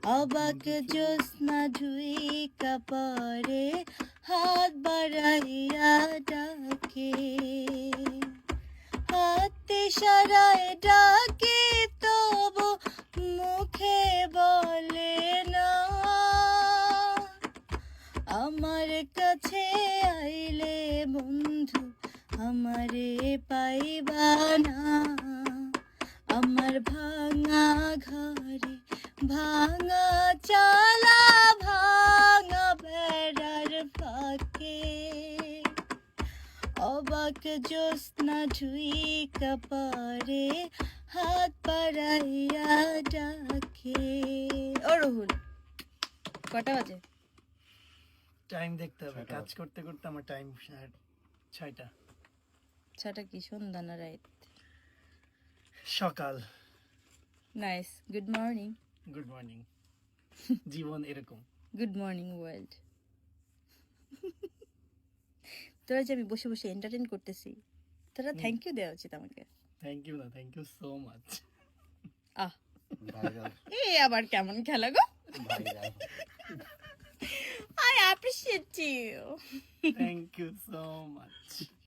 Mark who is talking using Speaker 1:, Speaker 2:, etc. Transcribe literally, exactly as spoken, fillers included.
Speaker 1: অবাক জ্যোৎস্না ঝুইকা পরে হাত বাড়াইয়া ডাকে হাতে সারায় ডাকে তবু মুখে বলে না আমার কাছে আইলে বন্ধু আমারে পাইবা না আমার ভাঙা ঘরে ভাঙা চালা ভাঙা বেড়ার ফাঁকে অবাক জ্যোৎস্না ঝুইকা পরে হাত বাড়াইয়া ডাকে। ও রহুল কটা বাজে?
Speaker 2: টাইম দেখতে হবে, কাজ করতে করতে আমার টাইম ছয়টা।
Speaker 1: ছটা কি সন্ধ্যা না রাইট?
Speaker 2: সকাল।
Speaker 1: Nice, good morning.
Speaker 2: Good morning. জীবন এরকম।
Speaker 1: Good morning world. তোরা যে আমি বসে বসে এন্টারটেইন করতেছি, তোরা থ্যাংক ইউ দেওয়া উচিত আমাকে।
Speaker 2: থ্যাংক ইউ না, থ্যাংক ইউ সো মাচ।
Speaker 1: আহ এ আবার কেমন খেলা গো? I appreciate you.
Speaker 2: Thank you so much.